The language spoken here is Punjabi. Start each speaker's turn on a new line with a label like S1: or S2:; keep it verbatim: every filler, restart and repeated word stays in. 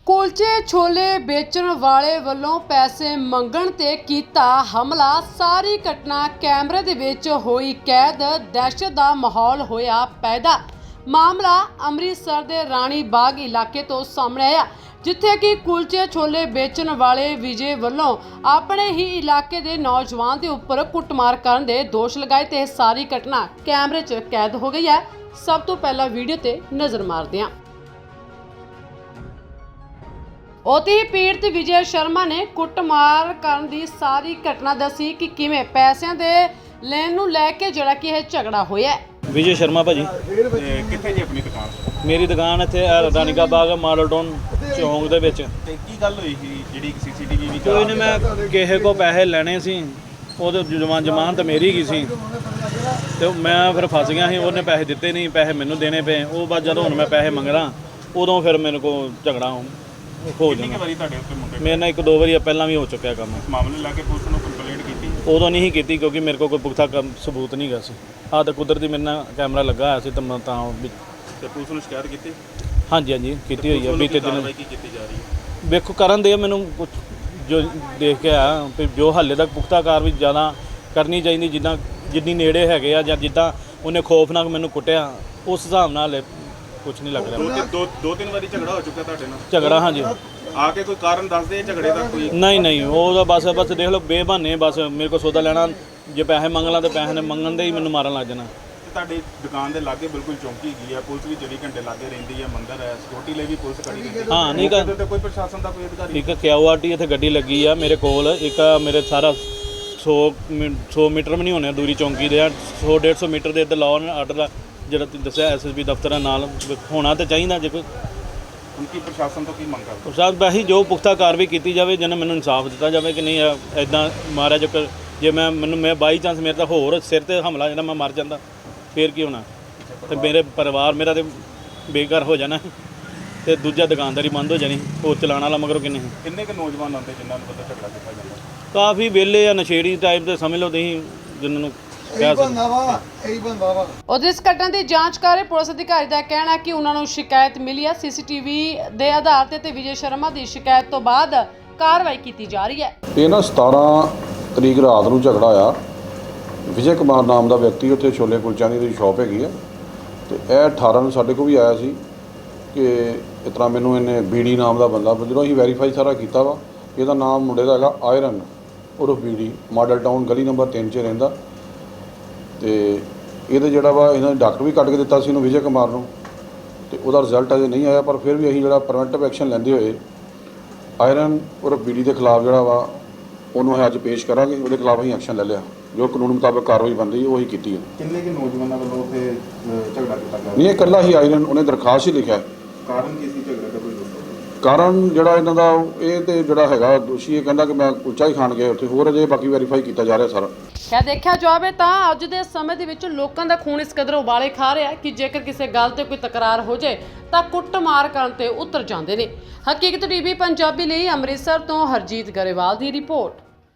S1: ਕੁਲਚੇ ਛੋਲੇ ਵੇਚਣ ਵਾਲੇ ਵੱਲੋਂ ਪੈਸੇ ਮੰਗਣ ਤੇ ਕੀਤਾ ਹਮਲਾ। ਸਾਰੀ ਘਟਨਾ ਕੈਮਰੇ ਦੇ ਵਿੱਚ ਹੋਈ ਕੈਦ। ਦਹਿਸ਼ਤ ਦਾ ਮਾਹੌਲ ਹੋਇਆ ਪੈਦਾ। ਮਾਮਲਾ ਅੰਮ੍ਰਿਤਸਰ ਦੇ ਰਾਣੀ ਬਾਗ ਇਲਾਕੇ ਤੋਂ ਸਾਹਮਣੇ ਆਇਆ, ਜਿੱਥੇ ਕਿ ਕੁਲਚੇ ਛੋਲੇ ਵੇਚਣ ਵਾਲੇ ਵਿਜੇ ਵੱਲੋਂ ਆਪਣੇ ਹੀ ਇਲਾਕੇ ਦੇ ਨੌਜਵਾਨ ਦੇ ਉੱਪਰ ਕੁੱਟਮਾਰ ਕਰਨ ਦੇ ਦੋਸ਼ ਲਗਾਏ ਤੇ ਸਾਰੀ ਘਟਨਾ ਕੈਮਰੇ 'ਚ ਕੈਦ ਹੋ ਗਈ ਹੈ। ਸਭ ਤੋਂ ਪਹਿਲਾਂ ਵੀਡੀਓ ਤੇ ਨਜ਼ਰ ਮਾਰਦੇ ਹਾਂ। ਉਤੇ ਪੀੜਤ ਵਿਜੇ ਸ਼ਰਮਾ ਨੇ ਕੁੱਟਮਾਰ ਕਰਨ ਦੀ ਸਾਰੀ ਘਟਨਾ ਦੱਸੀ ਕਿ ਕਿਵੇਂ ਪੈਸਿਆਂ ਦੇ ਲੈਣ ਨੂੰ ਲੈ ਕੇ ਜਿਹੜਾ ਕਿ ਇਹ ਝਗੜਾ ਹੋਇਆ।
S2: ਵਿਜੇ ਸ਼ਰਮਾ ਭਾਜੀ,
S3: ਕਿੱਥੇ ਜੀ ਆਪਣੀ ਦੁਕਾਨ?
S2: ਮੇਰੀ ਦੁਕਾਨ ਇੱਥੇ ਰਾਣੀਕਾ ਬਾਗ ਮਾਡਲ ਟਾਊਨ ਚੌਂਕ ਦੇ ਵਿੱਚ।
S3: ਤੇ ਕੀ ਗੱਲ ਹੋਈ ਸੀ ਜਿਹੜੀ ਸੀਸੀਟੀਵੀ ਵੀ
S2: ਕੋਈ ਨਹੀਂ, ਮੈਂ ਕਿਸੇ ਕੋ ਪੈਸੇ ਲੈਣੇ ਸੀ, ਉਹਦੇ ਜਮਾਨ ਜਮਾਨ ਤਾਂ ਮੇਰੀ ਹੀ ਸੀ ਤੇ ਮੈਂ ਫਿਰ ਫਸ ਗਿਆ ਸੀ। ਉਹਨੇ ਪੈਸੇ ਦਿੱਤੇ ਨਹੀਂ, ਪੈਸੇ ਮੈਨੂੰ ਦੇਣੇ ਪਏ। ਉਹ ਬਾਅਦ ਜਦੋਂ ਹੁਣ ਮੈਂ ਪੈਸੇ ਮੰਗਦਾ ਉਦੋਂ ਫਿਰ ਮੇਰੇ ਕੋਲ ਝਗੜਾ ਹੋ ਜਾਂਦਾ।
S3: ਵਾਰੀ ਤੁਹਾਡੇ ਉੱਤੇ ਮੁੰਡੇ
S2: ਮੇਰੇ ਨਾਲ ਇੱਕ ਦੋ ਵਾਰੀ ਪਹਿਲਾਂ ਵੀ ਹੋ ਚੁੱਕਿਆ ਕੰਮ।
S3: ਇਸ ਮਾਮਲੇ ਲਾ ਕੇ ਪੁਲਿਸ ਨੂੰ ਕੰਪਲੇਂਟ ਕੀਤੀ?
S2: ਉਦੋਂ ਨਹੀਂ ਕੀਤੀ ਕਿਉਂਕਿ ਮੇਰੇ ਕੋਲ ਕੋਈ ਪੁਖਤਾ ਕੰਮ ਸਬੂਤ ਨਹੀਂ ਗਾ ਸੀ। ਆਹ ਤਾਂ ਕੁਦਰਤੀ ਮੇਰੇ ਨਾਲ ਕੈਮਰਾ ਲੱਗਾ ਹੋਇਆ ਸੀ ਤਾਂ ਮੈਂ ਤਾਂ ਵੀ
S3: ਤੇ ਪੁਲਿਸ ਨੂੰ ਸ਼ਿਕਾਇਤ ਕੀਤੀ?
S2: ਹਾਂਜੀ ਹਾਂਜੀ ਕੀਤੀ ਹੋਈ ਹੈ। ਬੀਤੇ ਦਿਨ
S3: ਕੀ ਕੀਤੀ ਜਾ ਰਹੀ ਹੈ?
S2: ਵੇਖੋ ਕਰਨ ਦੇ ਮੈਨੂੰ ਕੁਛ ਜੋ ਦੇਖ ਕੇ ਆ ਵੀ ਜੋ ਹਾਲੇ ਤੱਕ ਪੁਖਤਾ ਕਾਰਵਾਈ ਜ਼ਿਆਦਾ ਕਰਨੀ ਚਾਹੀਦੀ, ਜਿੱਦਾਂ ਜਿੰਨੀ ਨੇੜੇ ਹੈਗੇ ਆ ਜਾਂ ਜਿੱਦਾਂ ਉਹਨੇ ਖੌਫਨਾਕ ਮੈਨੂੰ ਕੁੱਟਿਆ ਉਸ ਹਿਸਾਬ ਨਾਲ ਕੁਝ ਨਹੀਂ ਲੱਗ ਰਿਹਾ।
S3: ਦੋ ਦੋ ਤਿੰਨ ਵਾਰੀ ਝਗੜਾ ਹੋ ਚੁੱਕਾ ਤੁਹਾਡੇ ਨਾਲ?
S2: ਝਗੜਾ ਹਾਂਜੀ।
S3: ਆ ਕੇ ਕੋਈ ਕਾਰਨ ਦੱਸਦੇ ਝਗੜੇ ਦਾ? ਕੋਈ
S2: ਨਹੀਂ ਨਹੀਂ, ਉਹ ਤਾਂ ਬਸ ਬਸ ਦੇਖ ਲਓ ਬੇਬਹਾਨੇ, ਬਸ ਮੇਰੇ ਕੋਲ ਸੌਦਾ ਲੈਣਾ, ਜੇ ਪੈਸੇ ਮੰਗ ਲਾਂ ਤਾਂ ਪੈਸੇ ਨੇ ਮੰਗਣ ਦੇ ਹੀ ਮੈਨੂੰ ਮਾਰਨ ਲੱਗ ਜਾਣਾ।
S3: ਤੁਹਾਡੀ ਦੁਕਾਨ ਦੇ ਲਾਗੇ ਬਿਲਕੁਲ ਚੌਂਕੀ ਹੈਗੀ ਆ, ਪੁਲਿਸ ਵੀ ਚੌਵੀ ਘੰਟੇ ਲਾਗੇ ਰਹਿੰਦੀ ਹੈ, ਮੰਦਰ ਹੈ, ਸਿਕਿਉਰਿਟੀ ਲਈ ਵੀ ਪੁਲਿਸ ਖੜੀ ਰਹਿੰਦੀ ਹੈ।
S2: ਹਾਂ ਨਹੀਂ ਕਰ
S3: ਤੇ ਕੋਈ ਪ੍ਰਸ਼ਾਸਨ ਦਾ ਕੋਈ ਅਧਿਕਾਰੀ?
S2: ਇੱਕ ਕਿਊ ਆਰ ਟੀ ਇੱਥੇ ਗੱਡੀ ਲੱਗੀ ਆ ਮੇਰੇ ਕੋਲ। ਇੱਕ ਮੇਰੇ ਸਾਰਾ ਸੌ ਸੌ ਮੀਟਰ ਵੀ ਨਹੀਂ ਹੋਣੇ ਦੂਰੀ ਚੌਂਕੀ ਦੇ ਆ, ਸੌ ਡੇਢ ਸੌ ਮੀਟਰ ਦੇ ਇੱਧਰ ਲਾਅ ਐਂਡ ਆਰਡਰ ਦਾ ਜਿਹੜਾ ਤੁਸੀਂ ਦੱਸਿਆ ਐਸ ਐਸ ਬੀ ਦਫ਼ਤਰਾਂ ਨਾਲ ਹੋਣਾ ਤਾਂ ਚਾਹੀਦਾ। ਜੇ ਕੋਈ
S3: ਹੁਣ ਕੀ ਪ੍ਰਸ਼ਾਸਨ ਤੋਂ ਕੀ ਮੰਗ ਕਰਦੇ?
S2: ਪ੍ਰਸ਼ਾਸਨ ਬਾਹੀ ਜੋ ਪੁਖਤਾ ਕਾਰਵਾਈ ਕੀਤੀ ਜਾਵੇ, ਜਿਹਨੇ ਮੈਨੂੰ ਇਨਸਾਫ ਦਿੱਤਾ ਜਾਵੇ ਕਿ ਨਹੀਂ ਇੱਦਾਂ ਮਾਰਿਆ। ਜੋ ਜੇ ਮੈਂ ਮੈਨੂੰ ਮੈਂ ਬਾਈ ਚਾਂਸ ਮੇਰੇ ਤਾਂ ਹੋਰ ਸਿਰ ਤੇ ਹਮਲਾ ਜਿਹੜਾ ਮੈਂ ਮਰ ਜਾਂਦਾ ਫੇਰ ਕੀ ਹੋਣਾ, ਤੇ ਮੇਰੇ ਪਰਿਵਾਰ ਮੇਰਾ ਤੇ ਬੇਘਰ ਹੋ ਜਾਣਾ ਤੇ ਦੂਜਾ ਦੁਕਾਨਦਾਰੀ ਬੰਦ ਹੋ ਜਾਣੀ। ਹੋਰ ਚਲਾਉਣ ਵਾਲਾ ਮਗਰੋਂ ਕਿੰਨੇ
S3: ਕਿੰਨੇ ਕੁ ਨੌਜਵਾਨ ਆਉਂਦੇ ਜਿਨ੍ਹਾਂ ਨੂੰ ਪਤਾ ਝਗੜਾ ਕੀਤਾ ਜਾਂਦਾ?
S2: ਕਾਫੀ ਵਿਹਲੇ ਆ, ਨਸ਼ੇੜੀ ਟਾਈਪ ਦੇ ਸਮਝ ਲਓ ਤੁਸੀਂ, ਜਿਨ੍ਹਾਂ ਨੂੰ ਕਹਿ ਸਕਦੇ।
S1: ਉਧਰ ਇਸ ਘਟਨਾ ਦੀ ਜਾਂਚ ਕਰ ਰਹੇ ਪੁਲਿਸ ਅਧਿਕਾਰੀ ਦਾ ਕਹਿਣਾ ਹੈ ਕਿ ਉਹਨਾਂ ਨੂੰ ਸ਼ਿਕਾਇਤ ਮਿਲੀ ਹੈ। ਸੀਸੀਟੀਵੀ ਦੇ ਆਧਾਰ ਤੇ ਤੇ ਵਿਜੇ ਸ਼ਰਮਾ ਦੀ ਸ਼ਿਕਾਇਤ ਤੋਂ ਬਾਅਦ ਕਾਰਵਾਈ ਕੀਤੀ ਜਾ ਰਹੀ ਹੈ।
S4: ਇਹ ਨਾ ਸਤਾਰਾਂ ਤਰੀਕ ਰਾਤ ਨੂੰ ਝਗੜਾ ਆਇਆ। ਵਿਜੇ ਕੁਮਾਰ ਨਾਮ ਦਾ ਵਿਅਕਤੀ, ਉੱਥੇ ਛੋਲੇ ਕੁਲਚਿਆਂ ਦੀ ਸ਼ਾਪ ਹੈਗੀ ਆ, ਤੇ ਇਹ ਅਠਾਰਾਂ ਨੂੰ ਸਾਡੇ ਕੋਲ ਵੀ ਆਇਆ ਸੀ ਕਿ ਇਸ ਤਰ੍ਹਾਂ ਮੈਨੂੰ ਇਹਨੇ ਬੀੜੀ ਨਾਮ ਦਾ ਬੰਦਾ, ਜਦੋਂ ਅਸੀਂ ਵੈਰੀਫਾਈ ਸਾਰਾ ਕੀਤਾ ਵਾ, ਇਹਦਾ ਨਾਮ ਮੁੰਡੇ ਦਾ ਹੈਗਾ ਆਇਰਨ ਉਰਫ ਬੀੜੀ, ਮਾਡਲ ਟਾਊਨ ਗਲੀ ਨੰਬਰ ਤਿੰਨ 'ਚ ਰਹਿੰਦਾ। ਤੇ ਇਹਦੇ ਜਿਹੜਾ ਵਾ ਇਹਨਾਂ ਨੇ ਡਾਕਟਰ ਵੀ ਕੱਢ ਕੇ ਦਿੱਤਾ ਸੀ ਇਹਨੂੰ, ਵਿਜੇ ਕੁਮਾਰ ਨੂੰ, ਤੇ ਉਹਦਾ ਰਿਜ਼ਲਟ ਅਜੇ ਨਹੀਂ ਆਇਆ। ਪਰ ਫਿਰ ਵੀ ਅਸੀਂ ਜਿਹੜਾ ਪ੍ਰੀਵੈਂਟਿਵ ਐਕਸ਼ਨ ਲੈਂਦੇ ਹੋਏ ਆਇਰਨ ਉਰਫ ਬੀੜੀ ਦੇ ਖਿਲਾਫ ਜਿਹੜਾ ਵਾ ਉਹਨੂੰ ਅਸੀਂ ਅੱਜ ਪੇਸ਼ ਕਰਾਂਗੇ। ਉਹਦੇ ਖਿਲਾਫ ਅਸੀਂ ਐਕਸ਼ਨ ਲੈ ਲਿਆ, ਜੋ ਕਾਨੂੰਨ ਮੁਤਾਬਕ ਕਾਰਵਾਈ ਬਣਦੀ ਉਹੀ ਕੀਤੀ ਹੈ।
S3: ਕਿੰਨੇ ਕਿ ਨੌਜਵਾਨਾਂ ਵੱਲੋਂ ਉੱਥੇ ਝਗੜਾ ਕੀਤਾ ਗਿਆ?
S4: ਨਹੀਂ, ਇਹ ਇਕੱਲਾ ਹੀ ਆਇਰਨ, ਉਹਨੇ ਦਰਖਾਸਤ ਹੀ ਲਿਖਿਆ।
S3: ਕਾਰਨ ਕੀ ਸੀ ਝਗੜੇ ਦਾ? ਕੋਈ
S4: ਕਾਰਨ ਜਿਹੜਾ ਇਹਨਾਂ ਦਾ ਇਹ ਤੇ ਜਿਹੜਾ ਹੈਗਾ ਦੋਸ਼ੀ, ਇਹ ਕਹਿੰਦਾ ਕਿ ਮੈਂ ਕੁਲਚਾ ਹੀ ਖਾਣ ਗਿਆ ਉੱਥੇ, ਹੋਰ ਅਜੇ ਬਾਕੀ ਵੈਰੀਫਾਈ ਕੀਤਾ ਜਾ ਰਿਹਾ ਸਾਰਾ।
S1: ਕਿਆ ਦੇਖਿਆ ਜਾਵੇ ਤਾਂ ਅੱਜ ਦੇ ਸਮੇਂ ਦੇ ਵਿੱਚ ਲੋਕਾਂ ਦਾ ਖੂਨ ਇਸ ਕਦਰ ਉਬਾਲੇ ਖਾ ਰਿਹਾ ਕਿ ਜੇਕਰ ਕਿਸੇ ਗੱਲ ਤੇ ਕੋਈ ਤਕਰਾਰ ਹੋ ਜਾਏ ਤਾਂ ਕੁੱਟਮਾਰ ਕਰਨ ਤੇ ਉਤਰ ਜਾਂਦੇ ਨੇ। ਹਕੀਕਤ ਟੀਵੀ ਪੰਜਾਬੀ ਲਈ ਅੰਮ੍ਰਿਤਸਰ ਤੋਂ ਹਰਜੀਤ ਗਰੇਵਾਲ ਦੀ ਰਿਪੋਰਟ।